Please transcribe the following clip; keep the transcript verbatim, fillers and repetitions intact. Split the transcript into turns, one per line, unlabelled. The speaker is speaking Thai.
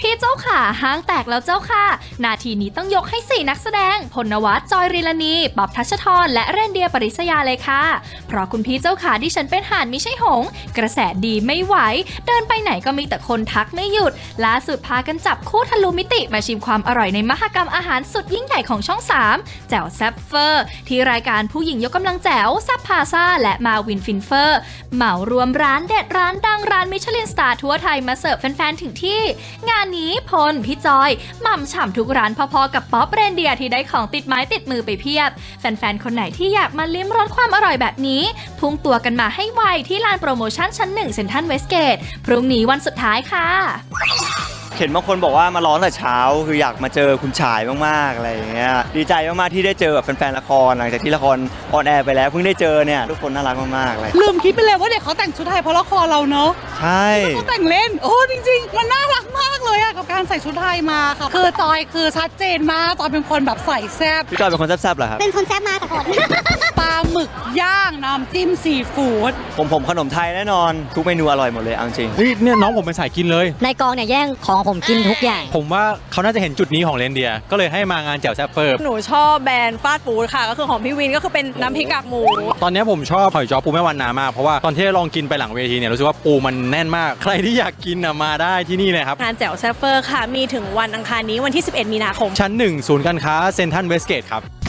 พี่เจ้าขาห้างแตกแล้วเจ้าค่ะนาทีนี้ต้องยกให้สี่นักแสดงพลนวัตจอยริลานีป๊อบทัชธรและเรนเดียปริศยาเลยค่ะเพราะคุณพี่เจ้าขาดิฉันเป็นห่านไม่ใช่หงกระแสดีไม่ไหวเดินไปไหนก็มีแต่คนทักไม่หยุดล่าสุดพากันจับคู่ทะลุมิติมาชิมความอร่อยในมหกรรมอาหารสุดยิ่งใหญ่ของช่องสามแจ๋วแซ่บเฟอร์ที่รายการผู้หญิงยกกำลังแจ๋วแซ่บพาซ่าและมาวินฟินเฟอร์เหมารวมร้านเด็ดร้านดังร้านมิชลินสตาร์ทั่วไทยมาเสิร์ฟแฟนๆถึงที่งานนี้พลพี่จอยหม่ำฉ่ำทุกร้านพอๆกับป๊อปเรนเดียที่ได้ของติดไม้ติดมือไปเพียบแฟนๆคนไหนที่อยากมาลิ้มรสความอร่อยแบบนี้พุ่งตัวกันมาให้ไวที่ลานโปรโมชั่นชั้นหนึ่งเซ็นทรัลเวสเกตพรุ่งนี้วันสุดท้ายค่ะ
เห็นบางคนบอกว่ามาร้อนแต่เช้าคืออยากมาเจอคุณชายมากๆอะไรอย่างเงี้ยดีใจมากๆที่ได้เจอแบบแฟนๆละครหลังจากที่ละครออนแอร์ไปแล้วเพิ่งได้เจอเนี่ยทุกคนน่ารักมากๆเลย
ลืมคิดไปเลยว่าเด็กเขาแต่งชุดไทยเพราะละครเราเนอะ
ใช่
เขาแต่งเล่นโอ้จริงๆมันน่ารักมากเลยอะกับการใส่ชุดไทยมาค่ะคือจอยคือชัดเจนมากจอยเป็นคนแบบใส่แซ่บ
พี่จอยเป็นคนแซ่บๆเหรอครับ
เป็นคนแซ่บมากกับคน
ปลาหมึกย่างน้ำจิ้มซีฟู้ด
ผมผมขนมไทยแน่นอนทุกเมนูอร่อยหมดเลยเอาจริง
เฮ้ยเนี่ยน้องผมเป็นสายกินเลย
ในกองเนี่ยแย่งของผมกินทุกอย่าง
ผมว่าเขาน่าจะเห็นจุดนี้ของเรนเดียก็เลยให้มางานแจ่วแซ่บเฟอร์
หนูชอบแบรนด์ฟาสต์ฟู้ดค่ะก็คือของพี่วินก็คือเป็นน้ำพริกกากหมู
ตอนนี้ผมชอบหอยจ้อปูแม่วันนามากเพราะว่าตอนที่ลองกินไปหลังเวทีเนี่ยรู้สึกว่าปูมันแน่นมากใครที่อยากกินนะมาได้ที่นี่เลยครับ
งานแจ่วแซ่บเฟอร์ค่ะมีถึงวันอังคารนี้วันที่สิบเอ็ดมีนาคม
ชั้นหนึ่งศูนย์การค้าเซ็นทรัลเวสเกตครับ